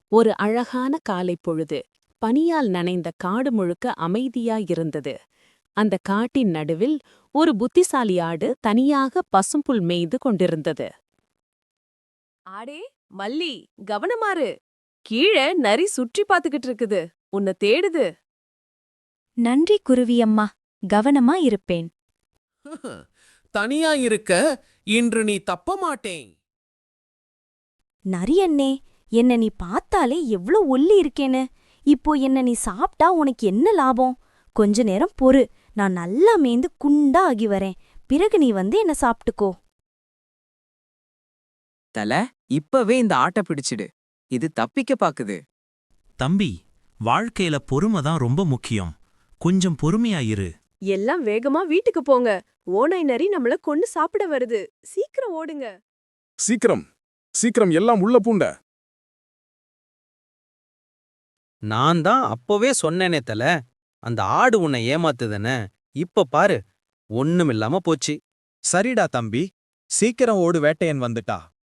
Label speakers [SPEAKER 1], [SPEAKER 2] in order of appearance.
[SPEAKER 1] ஒரு அழகான காலைப் பொழுது பனியால் நனைந்த காடு முழுக்க அமைதியாயிருந்தது. அந்த காட்டின் நடுவில் ஒரு புத்திசாலி ஆடு தனியாக பசும்புல் மேய்து கொண்டிருந்தது.
[SPEAKER 2] ஆடே மல்லி, கவனமாரு. கீழே நரி சுற்றி பாத்துக்கிட்டு இருக்குது. உன்னை தேடுது.
[SPEAKER 3] நன்றி குருவியம்மா, கவனமா இருப்பேன்.
[SPEAKER 4] தனியா இருக்க இன்று நீ தப்ப மாட்டேன்.
[SPEAKER 3] நரியண்ணே, என்ன நீ பார்த்தாலே எவ்ளோ ஒல்லி இருக்கேன்னு. இப்போ என்ன நீ சாப்பிட்டா உனக்கு என்ன லாபம்? கொஞ்ச நேரம் பொறு, நான் நல்லா மேய்ந்து குண்டா ஆகி வரேன். பிறகு நீ வந்து என்ன சாப்பிட்டுக்கோ.
[SPEAKER 5] தல, இப்பவே இந்த ஆட்ட பிடிச்சிடு. இது தப்பிக்க பாக்குது.
[SPEAKER 6] தம்பி, வாழ்க்கையில பொறுமை தான் ரொம்ப முக்கியம். கொஞ்சம் பொறுமையா இரு.
[SPEAKER 2] எல்லாம் வேகமா வீட்டுக்கு போங்க. ஓநாய் நரி நம்மள கொன்னு சாப்பிட வருது. சீக்கிரம் ஓடுங்க.
[SPEAKER 7] சீக்கிரம் சீக்கிரம் எல்லாம் உள்ள பூண்ட.
[SPEAKER 8] நான் தான் அப்பவே சொன்னேனே தல, அந்த ஆடு உன்னை ஏமாத்துதுன்னு. இப்ப பாரு, ஒண்ணுமில்லாம போச்சு.
[SPEAKER 9] சரிடா தம்பி, சீக்கிரம் ஓடு, வேட்டையன் வந்துட்டா.